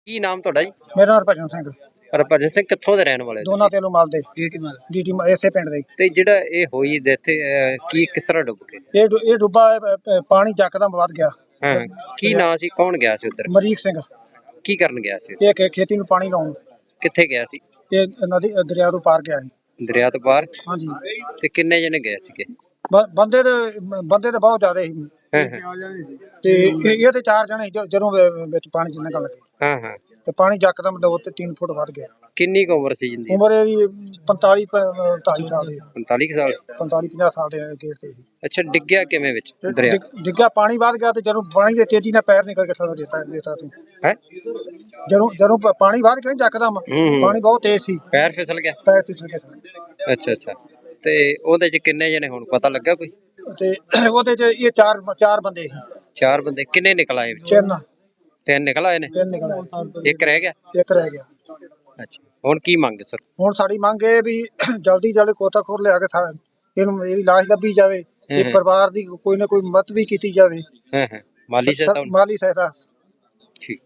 ਕੀ ਨਾਮ ਤੁਹਾਡਾ ਜੀ? ਮੇਰਾ ਨਾਮ ਹਰਭਜਨ ਸਿੰਘ, ਹਰਭਜਨ ਸਿੰਘ ਕਿੱਥੋਂ ਦੇ ਰਹਿਣ ਵਾਲੇ ਹੋ ਦੋਨਾ ਤੁਸੀਂ? ਤੇਲੂ ਮਾਲ ਦੇ ਡੀਟੀ ਇਸੇ ਪਿੰਡ ਦੇ। ਤੇ ਜਿਹੜਾ ਇਹ ਹੋਈ ਡੈਥ ਕੀ ਕਿਸ ਤਰ੍ਹਾਂ ਡੁੱਬ ਗਏ? ਇਹ ਡੁੱਬਾ ਪਾਣੀ ਜੱਕਦਮ ਵੱਧ ਗਿਆ। ਹਾਂ, ਕੀ ਨਾਂ ਸੀ, ਕੌਣ ਗਿਆ ਸੀ ਉੱਧਰ, ਮਰੀਕ ਸਿੰਘ, ਕੀ ਕਰਨ ਗਿਆ ਸੀ? ਇਹ ਖੇਤੀ ਨੂੰ ਪਾਣੀ ਲਾਉਣ, ਕਿੱਥੇ ਗਿਆ ਸੀ? ਇਹ ਨਦੀ ਦਰਿਆ ਤੋਂ ਪਾਰ ਗਿਆ ਸੀ। ਦਰਿਆ ਤੋਂ ਪਾਰ? ਹਾਂਜੀ, ਤੇ ਕਿੰਨੇ ਜਣੇ ਗਏ ਸੀਗੇ? ਬੰਦੇ ਤੇ ਬਹੁਤ ਜ਼ਿਆਦਾ ਸੀ ਹਾਂ ਹਾਂ ਤੇ ਇਹ ਤੇ 4 ਜਣੇ ਸੀ ਜਦੋਂ ਵਿੱਚ ਪਾਣੀ ਚ ਨਿਕਲ ਲੱਗੇ ਹਾਂ ਹਾਂ। ਤੇ ਪਾਣੀ ਜੱਕਦਮ 2 ਤੇ 3 ਫੁੱਟ ਵੱਧ ਗਿਆ। ਕਿੰਨੀ ਕੁ ਉਮਰ ਸੀ ਜਿੰਦੀ? ਉਮਰ ਇਹਦੀ 45 45 ਸਾਲ ਦੀ, 45 ਸਾਲ? 45 50 ਸਾਲ ਦੇ ਗੇੜ ਤੇ ਸੀ। ਅੱਛਾ, ਡਿੱਗਿਆ ਕਿਵੇਂ ਵਿੱਚ ਦਰਿਆ? ਡਿੱਗਿਆ, ਪਾਣੀ ਵੱਧ ਗਿਆ ਤੇ ਜਦੋਂ ਪਾਣੀ ਦੇ ਤੇਜ਼ੀ ਨਾਲ ਪੈਰ ਨਿਕਲ ਕੇ ਸਾਰਾ ਦੇਤਾ ਤੂੰ ਹੈ। ਜਦੋਂ ਪਾਣੀ ਵੱਧ ਗਿਆ ਜੱਕਦਮ, ਪਾਣੀ ਬਹੁਤ ਤੇਜ਼ ਸੀ, ਪੈਰ ਫਿਸਲ ਗਿਆ? ਪੈਰ ਫਿਸਲ ਗਏ। ਅੱਛਾ ਅੱਛਾ। ਤੇ ਉਹਦੇ ਚ ਕਿੰਨੇ ਜਣੇ ਹੁਣ ਪਤਾ ਲੱਗਾ ਕੋਈ? ਤੇ ਉਹਦੇ ਚ ਇਹ ਚਾਰ ਬੰਦੇ ਸੀ। 4 ਬੰਦੇ? ਕਿੰਨੇ ਨਿਕਲ ਆਏ ਵਿੱਚ? 3 ਨਿਕਲ ਆਏ ਨੇ? 3 ਨਿਕਲ ਆਏ, ਇੱਕ ਰਹਿ ਗਿਆ? ਇੱਕ ਰਹਿ ਗਿਆ। ਅੱਛਾ, ਹੁਣ ਕੀ ਮੰਗ ਸਰ? ਹੁਣ ਸਾਡੀ ਮੰਗ ਇਹ ਵੀ ਜਲਦੀ ਗੋਤਾਖੋਰ ਲਿਆ ਕੇ ਇਹਨੂੰ ਇਹਦੀ ਲਾਸ਼ ਲੱਭੀ ਜਾਵੇ, ਇਹ ਪਰਿਵਾਰ ਦੀ ਕੋਈ ਨਾ ਕੋਈ ਮਦਦ ਵੀ ਕੀਤੀ ਜਾਵੇ। ਹਾਂ ਹਾਂ, ਮਾਲੀ ਸਹਾਇਤਾ? ਮਾਲੀ ਸਹਾਇਤਾ। ਠੀਕ।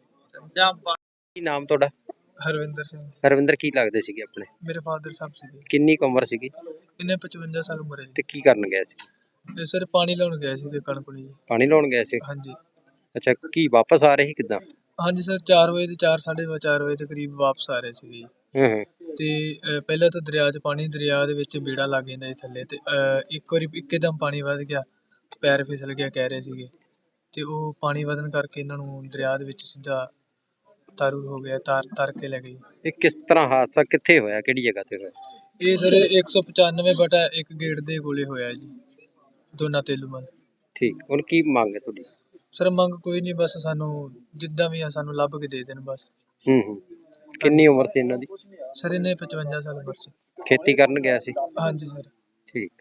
ਕੀ ਨਾਮ ਤੁਹਾਡਾ? ਹਰਵਿੰਦਰ ਸਿੰਘ। ਹਰਵਿੰਦਰ, ਕੀ ਲੱਗਦੇ ਸੀਗੇ ਆਪਣੇ? ਮੇਰੇ ਫਾਦਰ ਸਾਹਿਬ ਸੀਗੇ। ਕਿੰਨੀ ਕੁ ਉਮਰ ਸੀਗੀ? ਇਹਨੇ 55 ਸਾਲ ਉਮਰ ਹੈ। ਤੇ ਕੀ ਕਰਨ ਗਏ ਸੀ? ਇਹ ਸਰ ਪਾਣੀ ਲਾਉਣ ਗਏ ਸੀ ਕਣਕ ਨੂੰ ਜੀ। ਪਾਣੀ ਲਾਉਣ ਗਏ ਸੀ? ਹਾਂਜੀ। ਅੱਛਾ, ਕੀ ਵਾਪਸ ਆ ਰਹੇ ਸੀ ਕਿੱਦਾਂ? ਹਾਂਜੀ ਸਰ, 4 ਵਜੇ ਤੇ 4:30 ਵਜੇ ਦੇ ਕਰੀਬ ਵਾਪਸ ਆ ਰਹੇ ਸੀਗੇ। ਤੇ ਪਹਿਲਾਂ ਤਾਂ ਦਰਿਆ ਦੇ ਵਿੱਚ ਬੇੜਾ ਲੱਗ ਜਾਂਦਾ ਸੀ ਥੱਲੇ, ਤੇ ਇੱਕ ਵਾਰੀ ਇੱਕਦਮ ਪਾਣੀ ਵੱਧ ਗਿਆ, ਪੈਰ ਫਿਸਲ ਗਿਆ ਕਹਿ ਰਹੇ ਸੀਗੇ, ਤੇ ਉਹ ਪਾਣੀ ਵਧਣ ਕਰਕੇ ਇਹਨਾਂ ਨੂੰ ਦਰਿਆ ਦੇ ਵਿੱਚ ਸਿੱਧਾ ਤਾਰੂ ਹੋ ਗਿਆ, ਤਰ ਕੇ ਲੈ ਗਈ। ਇਹ ਕਿਸ ਤਰ੍ਹਾਂ ਹਾਦਸਾ ਕਿੱਥੇ ਹੋਇਆ, ਕਿਹੜੀ ਜਗ੍ਹਾ ਤੇ ਹੋਇਆ? ਇਹ ਸਰ 195/1 ਗੇਟ ਦੇ ਕੋਲੇ ਹੋਇਆ ਜੀ, ਦੋਨਾ ਤੇਲੂਮਲ। ਠੀਕ, ਹੁਣ ਕੀ ਮੰਗ ਹੈ ਤੁਹਾਡੀ? ਸਰ ਮੰਗ ਕੋਈ ਨਹੀਂ, ਬਸ ਸਾਨੂੰ ਜਿੱਦਾਂ ਵੀ ਆ ਸਾਨੂੰ ਲੱਭ ਕੇ ਦੇ ਦੇਣ ਬਸ। ਕਿੰਨੀ ਉਮਰ ਸੀ ਇਹਨਾਂ ਦੀ? ਸਰ ਇਹਨੇ 55 ਸਾਲ ਉਮਰ ਸੀ। ਖੇਤੀ ਕਰਨ ਗਿਆ ਸੀ? ਹਾਂਜੀ ਸਰ। ਠੀਕ।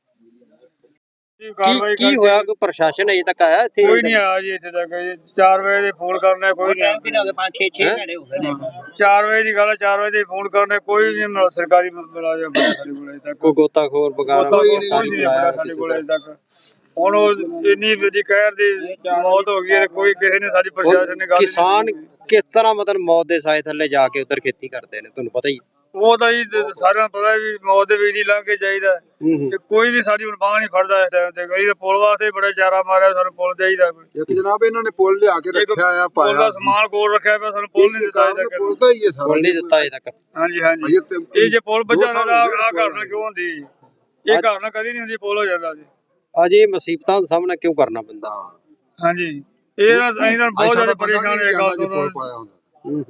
ਕੀ ਹੋਇਆ, ਕੋਈ ਪ੍ਰਸ਼ਾਸਨ ਅਜੇ ਤੱਕ ਆਇਆ ਇੱਥੇ? ਕੋਈ ਨਹੀਂ ਆਇਆ ਜੀ ਇੱਥੇ ਤੱਕ। 4 ਵਜੇ ਦੇ ਫੋਨ ਕਰਨਾ, ਕੋਈ ਨਹੀਂ ਆਇਆ। 4 ਵਜੇ ਦੀ ਗੱਲ ਹੈ, 4 ਵਜੇ ਦੇ ਫੋਨ ਕਰਨਾ, ਕੋਈ ਨਹੀਂ ਸਰਕਾਰੀ ਮੁਲਾਜ਼ਮ ਸਾਡੇ ਕੋਲ ਅਜੇ ਤੱਕ। ਕੋਈ ਗੋਤਾਖੋਰ ਵਗੈਰਾ ਕੋਈ ਨਹੀਂ ਸਾਡੇ ਕੋਲ ਅਜੇ ਤੱਕ। ਹੁਣ ਉਹ ਇੰਨੀ ਵੱਡੀ ਕਹਿਰ ਦੀ ਮੌਤ ਹੋ ਗਈ ਹੈ, ਕੋਈ ਕਿਸੇ ਨੇ ਸਾਡੀ ਪ੍ਰਸ਼ਾਸਨ ਨੇ ਗੱਲ। ਕਿਸਾਨ ਕਿਸ ਤਰ੍ਹਾਂ ਮਤਲਬ ਮੌਤ ਦੇ ਸਾਏ ਥੱਲੇ ਜਾ ਕੇ ਉਧਰ ਖੇਤੀ ਕਰਦੇ ਨੇ, ਤੁਹਾਨੂੰ ਪਤਾ ਹੀ? ਉਹ ਤਾਂ ਜੀ ਸਾਰਿਆਂ ਨੂੰ ਪਤਾ ਵੀ ਮੌਤ ਦੇ ਵਿੱਚ ਹੀ ਲੰਘ ਕੇ ਜਾਈਦਾ, ਤੇ ਕੋਈ ਵੀ ਸਾਡੀ ਹੁਣ ਬਾਂਹ ਨਹੀਂ ਫੜਦਾ ਇਸ ਟਾਈਮ ਤੇ। ਕਈ ਤਾਂ ਪੁਲ ਵਾਸਤੇ ਬੜਾ ਚਾਰਾ ਮਾਰਿਆ, ਸਾਨੂੰ ਪੁਲ ਚਾਹੀਦਾ ਕੋਈ। ਇੱਕ ਜਨਾਬ ਇਹਨਾਂ ਨੇ ਪੁਲ ਲਿਆ ਕੇ ਰੱਖਿਆ ਆ, ਪੁਲ ਦਾ ਸਮਾਨ ਕੋਲ ਰੱਖਿਆ ਪਿਆ, ਸਾਨੂੰ ਪੁਲ ਨਹੀਂ ਦਿੱਤਾ ਅਜੇ ਤੱਕ। ਪੁਲ ਤਾਂ ਹੀ ਹੈ ਸਾਰਾ, ਪੁਲ ਨਹੀਂ ਦਿੱਤਾ ਅਜੇ ਤੱਕ? ਹਾਂਜੀ ਹਾਂਜੀ। ਇਹ ਜੇ ਪੁਲ ਬਚਾਉਣਾ ਤਾਂ ਆਹ ਘਟਨਾ ਕਿਉਂ ਹੁੰਦੀ? ਇਹ ਘਟਨਾ ਕਦੀ ਨਹੀਂ ਹੁੰਦੀ, ਪੁਲ ਹੋ ਜਾਂਦਾ ਜੀ। ਅਜੇ ਮੁਸੀਬਤਾਂ ਦਾ ਸਾਹਮਣਾ ਕਿਉਂ ਕਰਨਾ ਪੈਂਦਾ? ਹਾਂਜੀ, ਇਹ ਅਸੀਂ ਤਾਂ ਬਹੁਤ ਜ਼ਿਆਦਾ ਪਰੇਸ਼ਾਨ ਹੋਏ ਗੱਲ ਤੋਂ।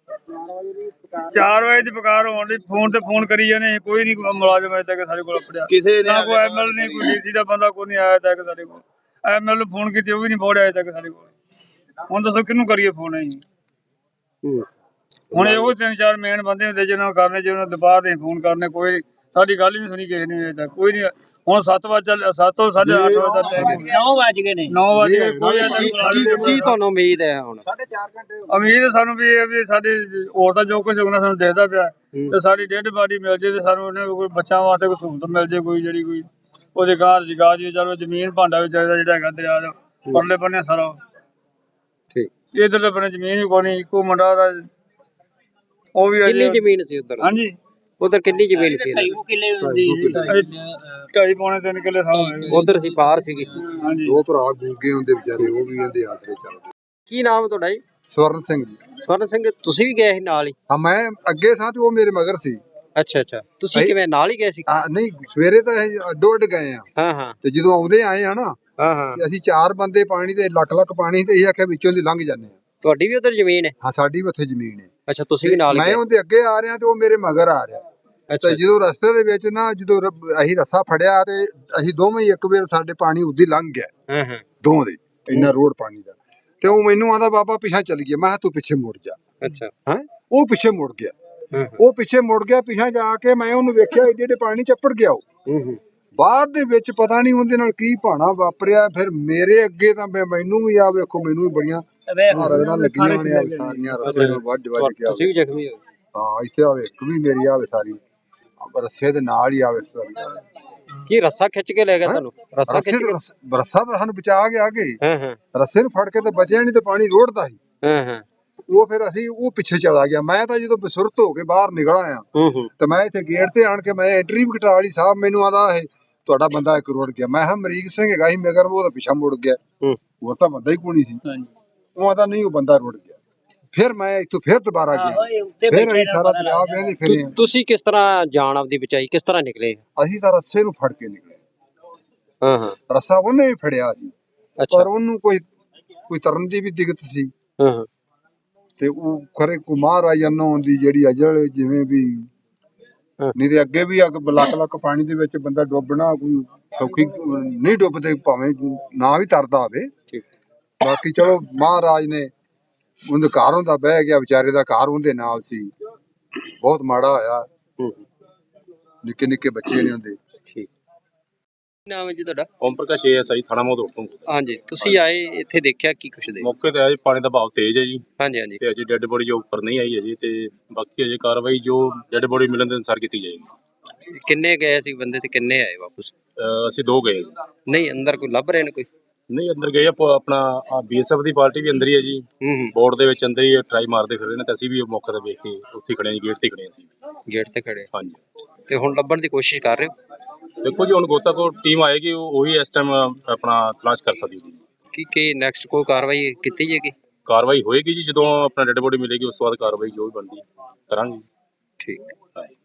4 ਵਜੇ ਦੀ ਪੁਕਾਰ ਹੋਣ ਦੀ, ਫੋਨ ਤੇ ਫੋਨ ਕਰੀ ਜਾਂਦੇ, ਕੋਈ ਨਹੀਂ ਮੁਲਾਜ਼ਮ ਅਜੇ ਤੱਕ ਸਾਡੇ ਕੋਲ ਪੜਿਆ। ਕਿਸੇ ਨੇ ਕੋਈ ਐਮਐਲ ਨਹੀਂ, ਕੋਈ ਡੀਸੀ ਦਾ ਬੰਦਾ ਕੋਈ ਨਹੀਂ ਆਇਆ ਤੱਕ ਸਾਡੇ ਕੋਲ। ਐਮਐਲ ਨੂੰ ਫੋਨ ਕੀਤੀ, ਉਹ ਵੀ ਨਹੀਂ ਪਹੁੰਚਿਆ ਅਜੇ ਤੱਕ ਸਾਡੇ ਕੋਲ। ਹੁਣ ਦੱਸੋ ਕਿਹਨੂੰ ਕਰੀਏ ਫੋਨ ਅਸੀਂ? ਹੁਣ ਇਹੋ 3-4 ਮੇਨ ਬੰਦੇ ਹੁੰਦੇ ਜਿਹਨਾਂ ਨੂੰ ਕਰਨੇ, ਜਿਹਨਾਂ ਨੂੰ ਦੁਪਹਿਰ ਦੇ ਫੋਨ ਕਰਨੇ, ਕੋਈ ਸਾਡੀ ਗੱਲ ਹੀ ਨਹੀਂ ਸੁਣੀ ਕਿਸੇ ਨੇ ਅਜੇ ਤੱਕ, ਕੋਈ ਨਹੀਂ। ਹੁਣ 7 ਤੋਂ 8:30 ਵਜੇ ਦਾ ਟਾਈਮ, 9 ਵਜ ਗਏ ਨੇ, 9 ਵਜ ਗਏ, ਕੋਈ ਕੀ ਤੁਹਾਨੂੰ ਉਮੀਦ ਹੈ ਹੁਣ? 4.5 ਘੰਟੇ ਉਮੀਦ ਸਾਨੂੰ ਵੀ ਇਹ ਵੀ ਸਾਡੇ ਹੋਰ ਤਾਂ ਜੋ ਕੁਝ ਹੋਣਾ ਸਾਨੂੰ ਦਿਖਦਾ ਪਿਆ, ਤੇ ਸਾਡੀ ਡੈਡ ਬਾਡੀ ਮਿਲ ਜੇ, ਤੇ ਸਾਨੂੰ ਉਹਨੇ ਕੋਈ ਬੱਚਿਆਂ ਵਾਸਤੇ ਕੋਈ ਸਹੂਲਤ ਮਿਲ ਜੇ, ਕੋਈ ਜਿਹੜੀ ਕੋਈ ਉਹਦੇ ਘਰ ਜਗਾ ਜੀ। ਚਲੋ ਜ਼ਮੀਨ ਭਾਂਡਾ ਵੀ ਚਾਹੀਦਾ ਜਿਹੜਾ ਹੈਗਾ ਦਰਿਆ ਦਾ ਪਰਲੇ ਬੰਨੇ ਸਾਰਾ। ਠੀਕ। ਇਧਰਲੇ ਬੰਨੇ ਜ਼ਮੀਨ ਵੀ ਕੋਈ ਨਹੀਂ, ਇੱਕੋ ਮੁੰਡਾ ਦਾ ਉਹ ਵੀ। ਕਿੰਨੀ ਜ਼ਮੀਨ ਸੀ ਉਧਰ? ਹਾਂਜੀ, ਉਧਰ ਕਿੰਨੀ ਜ਼ਮੀਨ ਸੀ? 2.5 ਪੌਣੇ 3 ਕਿੱਲੇ ਸਾਲ ਉਧਰ ਸੀ, ਪਾਰ ਸੀਗੀ। ਹਾਂਜੀ। 2 ਭਰਾ ਗੂੰਗੇ ਹੁੰਦੇ ਵਿਚਾਰੇ, ਉਹ ਵੀ ਇਹਦੇ ਆਸਰੇ ਚੱਲਦੇ। ਕੀ ਨਾਮ ਤੁਹਾਡਾ ਜੀ? ਸਵਰਨ ਸਿੰਘ ਜੀ। ਸਵਰਨ ਸਿੰਘ, ਤੁਸੀਂ ਵੀ ਗਏ ਸੀ ਨਾਲ ਹੀ? ਹਾਂ, ਮੈਂ ਅੱਗੇ ਸਾਂ ਤੇ ਉਹ ਮੇਰੇ ਮਗਰ ਸੀ। ਅੱਛਾ ਅੱਛਾ, ਤੁਸੀਂ ਕਿਵੇਂ ਨਾਲ ਹੀ ਗਏ ਸੀ? ਨਹੀਂ, ਸਵੇਰੇ ਤਾਂ ਅਸੀਂ ਅੱਡੋ ਅੱਡ ਗਏ ਆ, ਹਾਂ ਹਾਂ। ਤੇ ਜਦੋਂ ਆਉਂਦੇ ਆਏ ਆ ਨਾ, ਹਾਂ ਹਾਂ, ਅਸੀਂ 4 ਬੰਦੇ ਪਾਣੀ ਤੇ ਲੱਖ ਪਾਣੀ, ਤੇ ਇਹ ਆਖਿਆ ਵਿੱਚੋਂ ਦੀ ਲੰਘ ਜਾਂਦੇ ਆ। ਤੁਹਾਡੀ ਵੀ ਉਧਰ ਜ਼ਮੀਨ ਹੈ? ਹਾਂ, ਸਾਡੀ ਵੀ ਉੱਥੇ ਜ਼ਮੀਨ ਹੈ। ਅੱਛਾ, ਤੁਸੀਂ ਵੀ ਨਾਲ? ਮੈਂ ਉਹਦੇ ਅੱਗੇ ਆ ਰਿਹਾ ਤੇ ਉਹ ਮੇਰੇ ਮਗਰ ਆ ਰਿਹਾ। ਅੱਛਾ। ਤੇ ਜਦੋਂ ਰਸਤੇ ਦੇ ਵਿੱਚ ਨਾ, ਜਦੋਂ ਅਸੀਂ ਰੱਸਾ ਫੜਿਆ ਤੇ ਅਸੀਂ ਦੋਵੇਂ ਹੀ ਇੱਕ ਵਾਰ ਸਾਡੇ ਪਾਣੀ ਉਦੀ ਲੰਘ ਗਿਆ। ਹਾਂ ਹਾਂ, ਦੋਵਾਂ ਦੇ ਇੰਨਾ ਰੋਡ ਪਾਣੀ ਦਾ। ਤੇ ਉਹ ਮੈਨੂੰ ਆਂਦਾ, ਬਾਬਾ ਪਿੱਛੇ ਚੱਲ ਗਿਆ। ਮੈਂ ਕਿਹਾ ਤੂੰ ਪਿੱਛੇ ਮੁੜ ਜਾ। ਅੱਛਾ। ਹਾਂ, ਉਹ ਪਿੱਛੇ ਮੁੜ ਗਿਆ। ਉਹ ਪਿੱਛੇ ਮੁੜ ਗਿਆ, ਪਿੱਛੇ ਜਾ ਕੇ ਮੈਂ ਉਹਨੂੰ ਵੇਖਿਆ ਏਡੇ ਪਾਣੀ ਚੱਪੜ ਗਿਆ ਉਹ। ਬਾਅਦ ਦੇ ਵਿੱਚ ਪਤਾ ਨਹੀਂ ਉਹਦੇ ਨਾਲ ਕੀ ਭਾਣਾ ਵਾਪਰਿਆ। ਫਿਰ ਮੇਰੇ ਅੱਗੇ ਤਾਂ ਮੈਨੂੰ ਵੀ ਆ ਵੇਖੋ, ਮੈਨੂੰ ਵੀ ਬੜੀਆਂ ਰਗੜਾਂ ਲੱਗੀਆਂ ਨੇ ਸਾਰੀਆਂ, ਰਸੇ ਨਾਲ ਵੱਢ ਕੇ। ਤੁਸੀਂ ਵੀ ਜ਼ਖਮੀ ਹੋ? ਹਾਂ, ਇੱਥੇ ਆਵੇ ਇੱਕ ਵੀ ਮੇਰੀ ਆਵੇ ਸਾਰੀ ਰੱਸੇ ਦੇ ਨਾਲ ਹੀ ਆਵੇ ਸਾਰੀ। ਕੀ ਰੱਸਾ ਖਿੱਚ ਕੇ ਲੈ ਗਿਆ ਤੁਹਾਨੂੰ? ਰੱਸਾ ਖਿੱਚ ਕੇ? ਰੱਸਾ ਤਾਂ ਸਾਨੂੰ ਬਚਾ ਗਿਆ ਅੱਗੇ। ਹਾਂ ਹਾਂ। ਰੱਸੇ ਨੂੰ ਫੜ ਕੇ ਤੇ ਬਚਿਆ ਨਹੀਂ, ਤੇ ਪਾਣੀ ਰੋੜਦਾ ਸੀ। ਹਾਂ ਹਾਂ। ਉਹ ਫਿਰ ਅਸੀਂ ਉਹ ਪਿੱਛੇ ਚਲਾ ਗਿਆ। ਮੈਂ ਤਾਂ ਜਦੋਂ ਬਸੁਰਤ ਹੋ ਕੇ ਬਾਹਰ ਨਿਕਲ ਆਇਆ ਤੇ ਮੈਂ ਇੱਥੇ ਗੇਟ ਤੇ ਆਣ ਕੇ ਮੈਂ ਐਂਟਰੀ ਵੀ ਕਟਾ ਲਈ। ਸਾਹਿਬ ਮੈਨੂੰ ਆਦਾ ਇਹ ਤੁਹਾਡਾ ਬੰਦਾ ਇੱਕ ਰੁੜ ਗਿਆ। ਮੈਂ ਕਿਹਾ ਅਮਰੀਕ ਸਿੰਘ ਹੈਗਾ ਸੀ ਮਗਰ ਉਹ ਤਾਂ ਪਿੱਛਾ ਮੁੜ ਗਿਆ, ਹੋਰ ਤਾਂ ਬੰਦਾ ਹੀ ਕੋਈ ਨਹੀਂ ਸੀ। ਉਹ ਆਦਾ ਨਹੀਂ ਉਹ ਬੰਦਾ ਰੁੜ ਗਿਆ। ਫਿਰ ਮੈਂ ਇੱਥੋਂ ਫਿਰ ਦੁਬਾਰਾ ਗਿਆ, ਫਿਰ ਅਸੀਂ ਸਾਰਾ ਦਰਿਆ ਵੇਂਦੇ ਫਿਰੇ ਆ। ਤੁਸੀਂ ਕਿਸ ਤਰ੍ਹਾਂ ਜਾਨ ਆਪਦੀ ਬਚਾਈ, ਕਿਸ ਤਰ੍ਹਾਂ ਨਿਕਲੇ? ਅਸੀਂ ਤਾਂ ਰੱਸੇ ਨੂੰ ਫੜ ਕੇ ਨਿਕਲੇ। ਹਾਂ ਰੱਸਾ ਉਹਨੇ ਵੀ ਫੜਿਆ ਸੀ, ਅੱਛਾ। ਪਰ ਉਹਨੂੰ ਕੋਈ ਤਰਨ ਦੀ ਵੀ ਦਿੱਕਤ ਸੀ ਤੇ ਉਹ ਖਰੇ ਕੋ ਮਹਾਰਾਜ ਜਨੋਂ ਦੀ ਜਿਹੜੀ ਅਜਲ ਜਿਵੇਂ ਵੀ, ਨਹੀਂ ਤੇ ਅੱਗੇ ਵੀ ਅੱਗ ਲੱਕ ਪਾਣੀ ਦੇ ਵਿੱਚ ਬੰਦਾ ਡੁੱਬਣਾ ਕੋਈ ਸੌਖੀ ਨਹੀਂ, ਡੁੱਬਦੇ ਭਾਵੇਂ ਨਾ ਵੀ ਤਰਦਾ ਹੋਵੇ। ਬਾਕੀ ਚਲੋ ਮਹਾਰਾਜ ਨੇ ਉਹਦੇ ਘਰ ਹੁੰਦਾ ਬਹਿ ਗਿਆ, ਵਿਚਾਰੇ ਦਾ ਘਰ ਉਹਦੇ ਨਾਲ ਸੀ। ਬਹੁਤ ਮਾੜਾ ਹੋਇਆ, ਨਿੱਕੇ ਨਿੱਕੇ ਬੱਚੇ ਨੇ ਉਹਦੇ। ਠੀਕ ਨਾਮ ਹੈ ਜੀ ਤੁਹਾਡਾ? ਓਮ ਪ੍ਰਕਾਸ਼ ASI ਥਾਣਾ ਮੋਦੋੜ ਤੋਂ। ਹਾਂਜੀ, ਤੁਸੀਂ ਆਏ ਇੱਥੇ ਦੇਖਿਆ ਕੀ ਕੁਛ ਦੇ? ਮੌਕੇ ਤੇ ਆਏ, ਪਾਣੀ ਦਾ ਬਹਾਅ ਤੇਜ਼ ਹੈ ਜੀ ਹਾਂਜੀ ਹਾਂਜੀ। ਤੇ ਅਜੇ ਡੈੱਡ ਬੋਡੀ ਜੋ ਉੱਪਰ ਨਹੀਂ ਆਈ ਅਜੇ, ਤੇ ਬਾਕੀ ਅਜੇ ਕਾਰਵਾਈ ਜੋ ਡੈੱਡ ਬੋਡੀ ਮਿਲਣ ਦੇ ਅਨੁਸਾਰ ਕੀਤੀ ਜਾਏਗੀ। ਕਿੰਨੇ ਗਏ ਸੀ ਬੰਦੇ ਤੇ ਕਿੰਨੇ ਆਏ ਵਾਪਸ? ਅਸੀਂ 2 ਗਏ ਜੀ। ਨਹੀਂ ਅੰਦਰ ਕੋਈ ਲੱਭ ਰਹੇ ਨੇ ਕੋਈ? ਨਹੀਂ ਅੰਦਰ ਗਏ ਆਪਣਾ BSF ਦੀ ਪਾਰਟੀ ਵੀ ਅੰਦਰ ਹੀ ਹੈ ਜੀ, ਬੋਰਡ ਦੇ ਵਿੱਚ ਅੰਦਰ ਹੀ ਟਰਾਈ ਮਾਰਦੇ ਫਿਰ ਰਹੇ ਨੇ, ਤੇ ਅਸੀਂ ਵੀ ਮੌਕੇ ਤੇ ਵੇਖ ਕੇ ਉੱਥੇ ਖੜੇ ਹਾਂ ਜੀ, ਗੇਟ ਤੇ ਖੜੇ ਹਾਂ ਅਸੀਂ। ਗੇਟ ਤੇ ਖੜੇ? ਹਾਂਜੀ। ਤੇ ਹੁਣ ਲੱਭਣ ਦੀ ਕੋਸ਼ਿਸ਼ ਕਰ ਰਹੇ ਹੋ? ਦੇਖੋ ਜੀ ਹੁਣ ਗੋਤਾਖੋਰ ਟੀਮ ਆਏਗੀ, ਉਹੀ ਇਸ ਟਾਈਮ ਆਪਣਾ ਤਲਾਸ਼ ਕਰ ਸਕਦੀ ਹੈ। ਕੀ ਨੈਕਸਟ ਕੋਈ ਕਾਰਵਾਈ ਕੀਤੀ ਜਾਏਗੀ? ਕਾਰਵਾਈ ਹੋਏਗੀ ਜੀ, ਜਦੋਂ ਆਪਣਾ ਡੈੱਡ ਬੋਡੀ ਮਿਲੇਗੀ ਉਸ ਤੋਂ ਬਾਅਦ ਕਾਰਵਾਈ ਜੋ ਵੀ ਬਣਦੀ ਕਰਾਂਗੇ। ਠੀਕ।